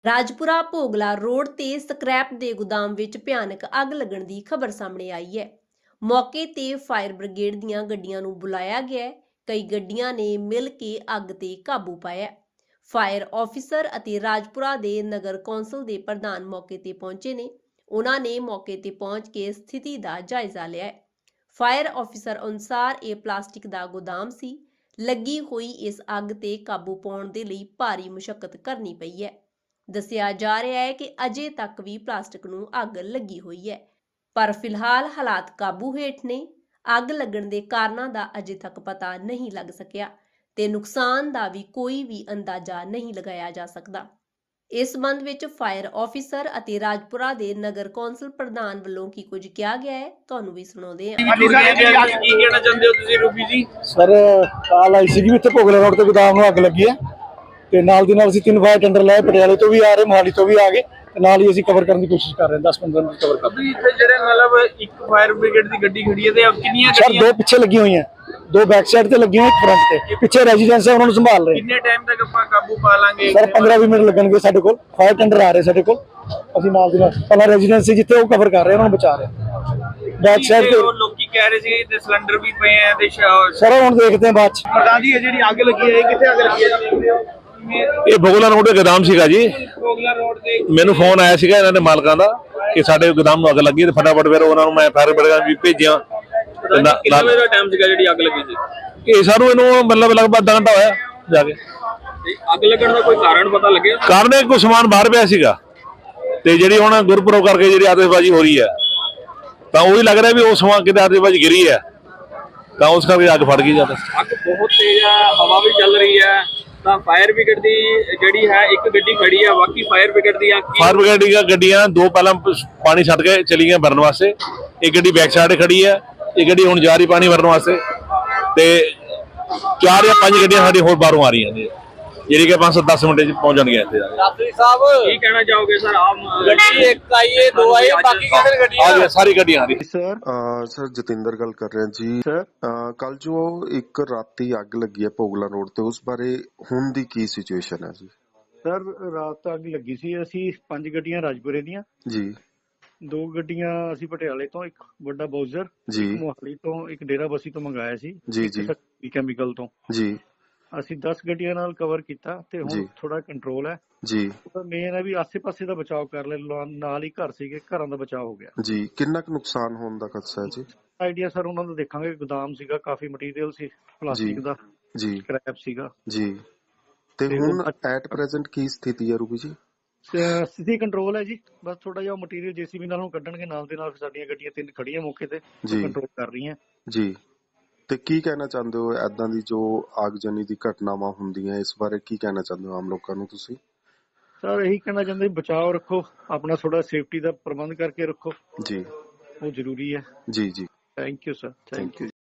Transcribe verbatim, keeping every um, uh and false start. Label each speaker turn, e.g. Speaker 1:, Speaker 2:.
Speaker 1: Rajpura Bhogla road ਤੇ scrap ਦੇ ਗੋਦਾਮ ਵਿੱਚ ਭਿਆਨਕ ਅੱਗ ਲੱਗਣ ਦੀ ਖਬਰ ਸਾਹਮਣੇ ਆਈ ਹੈ। ਮੌਕੇ ਤੇ ਫਾਇਰ ਬ੍ਰਿਗੇਡ ਦੀਆਂ ਗੱਡੀਆਂ ਨੂੰ ਬੁਲਾਇਆ ਗਿਆ ਹੈ। ਕਈ ਗੱਡੀਆਂ ਨੇ ਮਿਲ ਕੇ ਅੱਗ ਤੇ ਕਾਬੂ ਪਾਇਆ। ਫਾਇਰ ਆਫੀਸਰ ਅਤੇ ਰਾਜਪੁਰਾ ਦੇ ਨਗਰ ਕੌਂਸਲ ਦੇ ਪ੍ਰਧਾਨ ਮੌਕੇ ਤੇ ਪਹੁੰਚੇ ਨੇ। ਉਹਨਾਂ ਨੇ ਮੌਕੇ ਤੇ ਪਹੁੰਚ ਕੇ ਸਥਿਤੀ ਦਾ ਜਾਇਜ਼ਾ ਲਿਆ ਹੈ। ਫਾਇਰ ਆਫੀਸਰ ਅਨੁਸਾਰ ਇਹ ਪਲਾਸਟਿਕ ਦਾ ਗੋਦਾਮ ਸੀ। ਲੱਗੀ ਹੋਈ ਇਸ ਅੱਗ ਤੇ ਕਾਬੂ ਪਾਉਣ ਦੇ ਲਈ ਭਾਰੀ ਮੁਸ਼ਕਲ ਕਰਨੀ ਪਈ ਹੈ। ਦੱਸਿਆ ਜਾ ਰਿਹਾ ਹੈ ਕਿ ਅਜੇ ਤੱਕ ਵੀ ਪਲਾਸਟਿਕ ਨੂੰ ਅੱਗ ਲੱਗੀ ਹੋਈ ਹੈ, ਪਰ ਫਿਲਹਾਲ ਹਾਲਾਤ ਕਾਬੂ ਹੇਠ ਨੇ। ਅੱਗ ਲੱਗਣ ਦੇ ਕਾਰਨਾਂ ਦਾ ਅਜੇ ਤੱਕ ਪਤਾ ਨਹੀਂ ਲੱਗ ਸਕਿਆ ਤੇ ਨੁਕਸਾਨ ਦਾ ਵੀ ਕੋਈ ਵੀ ਅੰਦਾਜ਼ਾ ਨਹੀਂ ਲਗਾਇਆ ਜਾ ਸਕਦਾ। ਇਸ ਸੰਬੰਧ ਵਿੱਚ ਫਾਇਰ ਆਫੀਸਰ ਅਤੇ ਰਾਜਪੁਰਾ ਦੇ ਨਗਰ ਕੌਂਸਲ ਪ੍ਰਧਾਨ ਵੱਲੋਂ ਕੀ ਕੁਝ ਕਿਹਾ ਗਿਆ ਹੈ, ਤੁਹਾਨੂੰ ਵੀ ਸੁਣਾਉਂਦੇ ਹਾਂ।
Speaker 2: ਕੀ ਕਹਿਣਾ ਚਾਹੁੰਦੇ ਹੋ ਤੁਸੀਂ ਰੂਬੀ ਜੀ?
Speaker 3: ਸਰ ਕਾਲ ਆਈ ਸੀ ਕਿ ਇੱਥੇ ਭੋਗਲਾ ਰੋਡ ਤੇ ਗੋਦਾਮ ਨੂੰ ਅੱਗ ਲੱਗੀ ਹੈ ਤੇ ਨਾਲ ਦੀ ਨਾਲ ਅਸੀਂ ਤਿੰਨ ਫਾਇਰ ਟੈਂਡਰ ਲਾਏ, ਪਟਿਆਲੇ ਤੋਂ ਵੀ ਆ ਰਹੇ, ਮੋਹਾਲੀ ਤੋਂ ਵੀ ਆ ਗਏ ਤੇ ਨਾਲ ਹੀ ਅਸੀਂ ਕਵਰ ਕਰਨ ਦੀ ਕੋਸ਼ਿਸ਼ ਕਰ ਰਹੇ ਹਾਂ। ਦਸ ਪੰਦਰਾਂ ਮਿੰਟ ਕਵਰ ਕਰ
Speaker 2: ਰਹੇ ਇੱਥੇ ਜਿਹੜੇ ਮਤਲਬ ਇੱਕ ਫਾਇਰ ਬ੍ਰਿਗੇਡ ਦੀ ਗੱਡੀ ਖੜੀ ਹੈ ਤੇ ਕਿੰਨੀਆਂ
Speaker 3: ਸਰ ਦੋ ਪਿੱਛੇ ਲੱਗੀਆਂ ਹੋਈਆਂ, ਦੋ ਬੈਕ ਸਾਈਡ ਤੇ ਲੱਗੀਆਂ, ਇੱਕ ਫਰੰਟ ਤੇ। ਪਿੱਛੇ ਰੈਜ਼ੀਡੈਂਸ ਹੈ, ਉਹਨਾਂ ਨੂੰ ਸੰਭਾਲ ਰਹੇ।
Speaker 2: ਕਿੰਨੇ ਟਾਈਮ ਤੱਕ ਆਪਾਂ ਕਾਬੂ ਪਾ ਲਾਂਗੇ?
Speaker 3: ਸਰ ਪੰਦਰਾਂ ਵੀਹ ਮਿੰਟ ਲੱਗਣਗੇ। ਸਾਡੇ ਕੋਲ ਫਾਇਰ ਟੈਂਡਰ ਆ ਰਹੇ, ਸਾਡੇ ਕੋਲ ਅਸੀਂ ਨਾਲ ਦੀ ਨਾਲ ਪਹਿਲਾਂ ਰੈਜ਼ੀਡੈਂਸ ਸੀ ਜਿੱਥੇ ਉਹ ਕਵਰ ਕਰ ਰਹੇ, ਉਹਨਾਂ ਨੂੰ ਬਚਾ ਰਹੇ। ਬੈਕ ਸਾਈਡ ਤੇ
Speaker 2: ਲੋਕੀ ਕਹਿ ਰਹੇ ਸੀ ਤੇ ਸਿਲੰਡਰ ਵੀ ਪਏ ਆ ਤੇ
Speaker 3: ਸਰ ਹੁਣ ਦੇਖਦੇ ਹਾਂ ਬਾਅਦ ਚ।
Speaker 2: ਪ੍ਰਧਾਨ ਜੀ, ਇਹ ਜਿਹੜੀ ਅੱਗ ਲੱਗੀ ਹੈ ਕਿੱਥੇ ਅੱਗ ਲੱਗੀ ਹੈ?
Speaker 4: ਇਹ ਭੋਗਲਾ ਰੋਡ ਦੇ ਗੋਦਾਮ ਸੀਗਾ ਜੀ।
Speaker 2: ਭੋਗਲਾ ਰੋਡ ਤੇ
Speaker 4: ਮੈਨੂੰ ਫੋਨ ਆਇਆ ਸੀਗਾ ਇਹਨਾਂ ਦੇ ਮਾਲਕਾਂ ਦਾ ਕਿ ਸਾਡੇ ਗੋਦਾਮ ਨੂੰ ਅੱਗ ਲੱਗੀ ਤੇ ਫਟਾਫਟ ਫਿਰ ਉਹਨਾਂ ਨੂੰ ਮੈਂ ਫਾਇਰ ਬ੍ਰਿਗੇਡ ਵੀ ਭੇਜਿਆ।
Speaker 2: ਕਿੰਨੇ ਵਜੇ ਦਾ ਟਾਈਮ ਸੀਗਾ ਜਿਹੜੀ ਅੱਗ ਲੱਗੀ ਸੀ?
Speaker 4: ਇਹ ਸਾਨੂੰ ਇਹਨੂੰ ਮਤਲਬ ਲਗਭਗ ਅੱਧਾ ਘੰਟਾ ਹੋਇਆ ਜਾ ਕੇ।
Speaker 2: ਅੱਗ ਲੱਗਣ ਦਾ ਕੋਈ ਕਾਰਨ ਪਤਾ ਲੱਗਿਆ?
Speaker 4: ਕਾਰਨ ਇਹ ਕੋਈ ਸਮਾਨ ਬਾਹਰ ਪਿਆ ਸੀਗਾ ਤੇ ਜਿਹੜੀ ਹੁਣ ਗੁਰਪੁਰਬ ਕਰਕੇ ਜਿਹੜੀ ਆਤਿਸ਼ਬਾਜ਼ੀ ਹੋ ਰਹੀ ਹੈ ਤਾਂ ਉਹੀ ਲੱਗ ਰਿਹਾ ਵੀ ਉਹ ਸਮਾਨ ਕਿਤੇ ਆਤਿਸ਼ਬਾਜ਼ੀ ਗਿਰੀ ਹੈ ਤਾਂ ਉਸ ਕਰਕੇ ਅੱਗ ਫੜ ਗਈ ਜ਼ਿਆਦਾ।
Speaker 2: ਅੱਗ ਬਹੁਤ ਤੇਜ਼ ਹੈ, ਹਵਾ ਵੀ ਚੱਲ ਰਹੀ ਹੈ ਤਾਂ ਫਾਇਰ ਬ੍ਰਿਗੇਡ ਦੀ ਜਿਹੜੀ ਹੈ ਇੱਕ ਗੱਡੀ ਖੜੀ ਹੈ, ਬਾਕੀ ਫਾਇਰ ਬ੍ਰਿਗੇਡ ਦੀਆਂ
Speaker 4: ਫਾਇਰ ਬ੍ਰਿਗੇਡ ਦੀਆਂ ਗੱਡੀਆਂ ਦੋ ਪਹਿਲਾਂ ਪਾਣੀ ਛੱਡ ਕੇ ਚਲੀਆਂ ਭਰਨ ਵਾਸਤੇ। ਇੱਕ ਗੱਡੀ ਬੈਕ ਸਾਈਡ ਖੜੀ ਹੈ, ਇਹ ਗੱਡੀ ਹੁਣ ਜਾ ਰਹੀ ਪਾਣੀ ਭਰਨ ਵਾਸਤੇ ਤੇ ਚਾਰ ਜਾਂ ਪੰਜ ਗੱਡੀਆਂ ਸਾਡੀ ਹੋਰ ਬਾਹਰੋਂ ਆ ਰਹੀਆਂ ਨੇ ਜਿਹੜੀ ਕਿ ਪੰਜ ਸੱਤ ਦਸ ਮਿੰਟ ਚ ਪਹੁੰਚ ਜਾਣਗੀਆਂ ਇੱਥੇ।
Speaker 2: ਰਾਤਰੀ ਸਾਹਿਬ ਕੀ ਕਹਿਣਾ ਚਾਹੋਗੇ ਸਰ? ਆਮ ਗੱਡੀ ਇੱਕ ਆਈ ਹੈ, ਦੋ ਆਈ, ਬਾਕੀ ਕਿਹੜੇ ਗੱਡੀਆਂ
Speaker 4: ਆ ਸਾਰੀ ਗੱਡੀਆਂ ਆ ਰਹੀ
Speaker 5: ਸਰ। ਸਰ ਜਤਿੰਦਰ ਗੱਲ ਕਰ ਰਹੇ ਜੀ ਸਰ। ਕੱਲ ਜੋ ਇੱਕ ਰਾਤੀ ਅੱਗ ਲੱਗੀ ਹੈ ਭੋਗਲਾ ਰੋਡ ਤੇ, ਉਸ ਬਾਰੇ ਹੁਣ ਦੀ ਕੀ ਸਿਚੁਏਸ਼ਨ ਹੈ ਜੀ?
Speaker 3: ਸਰ ਰਾਤ ਅੱਗ ਲੱਗੀ ਸੀ। ਅਸੀਂ ਪੰਜ ਗੱਡੀਆਂ ਰਾਜਪੁਰੇ ਦੀਆਂ ਜੀ, ਦੋ ਗੱਡੀਆਂ ਅਸੀਂ ਪਟਿਆਲੇ ਤੋਂ, ਇੱਕ ਵੱਡਾ ਬੋਜ਼ਰ ਜੀ, ਮੋਹਾਲੀ ਤੋਂ, ਇੱਕ ਡੇਰਾ ਬਸੀ ਤੋਂ ਮੰਗਾਇਆ ਸੀ ਜੀ ਜੀ ਕੈਮੀਕਲ ਤੋਂ ਜੀ। ਅਸੀਂ ਦਸ ਗੱਡੀਆਂ ਨਾਲ ਕਵਰ ਕੀਤਾ ਤੇ ਹੁਣ ਥੋੜਾ ਕੰਟਰੋਲ ਹੈ ਜੀ। ਮੇਨ ਹੈ ਵੀ ਆਸੇ ਪਾਸੇ ਦਾ ਬਚਾਅ ਕਰ ਲੈ, ਨਾਲ ਹੀ ਘਰ ਸੀਗੇ, ਘਰਾਂ ਦਾ ਬਚਾਅ ਹੋ ਗਿਆ
Speaker 5: ਜੀ। ਕਿੰਨਾ ਕੁ ਨੁਕਸਾਨ ਹੋਣ ਦਾ ਖਦਸ਼ਾ ਹੈ ਜੀ?
Speaker 3: ਆਈਡੀਆ ਸਰ ਉਹਨਾਂ ਦਾ ਦੇਖਾਂਗੇ। ਗੋਦਾਮ ਸੀਗਾ, ਕਾਫੀ ਮਟੀਰੀਅਲ ਸੀ ਪਲਾਸਟਿਕ ਦਾ ਜੀ, ਸਕ੍ਰੈਪ ਸੀਗਾ ਜੀ। ਤੇ ਹੁਣ ਐਟ ਪ੍ਰੈਜ਼ੈਂਟ ਕੀ ਸਥਿਤੀ ਹੈ ਰੂਬੀ ਜੀ? ਸਥਿਤੀ ਕੰਟਰੋਲ ਹੈ ਜੀ। ਬਸ ਥੋੜਾ ਜਿਹਾ ਮਟੀਰੀਅਲ ਜੇਸੀਬੀ ਨਾਲ ਕੱਢਣਗੇ, ਨਾਲ ਦੇ ਨਾਲ ਸਾਡੀਆਂ ਗੱਡੀਆਂ ਤਿੰਨ ਖੜੀਆਂ ਮੌਕੇ ਤੇ ਕੰਟਰੋਲ ਕਰ ਰਹੀਆਂ ਜੀ।
Speaker 5: ਤੇ ਕੀ ਕਹਿਣਾ ਚਾਹੁੰਦੇ ਹੋ ਏਦਾਂ ਦੀ ਜੋ ਆਗਜਨੀ ਦੀ ਘਟਨਾਵਾਂ ਹੁੰਦੀਆਂ, ਇਸ ਬਾਰੇ ਕੀ ਕਹਿਣਾ ਚਾਹੁੰਦੇ ਹੋ ਆਮ ਲੋਕਾਂ ਨੂੰ ਤੁਸੀਂ?
Speaker 3: ਸਰ ਇਹੀ ਕਹਿਣਾ ਚਾਹੁੰਦੇ ਬਚਾਓ ਰੱਖੋ, ਆਪਣਾ ਥੋੜਾ ਸੇਫਟੀ ਦਾ ਪ੍ਰਬੰਧ ਕਰਕੇ ਰੱਖੋ ਜੀ, ਉਹ ਜ਼ਰੂਰੀ ਹੈ ਜੀ ਜੀ। Thank you sir, thank you.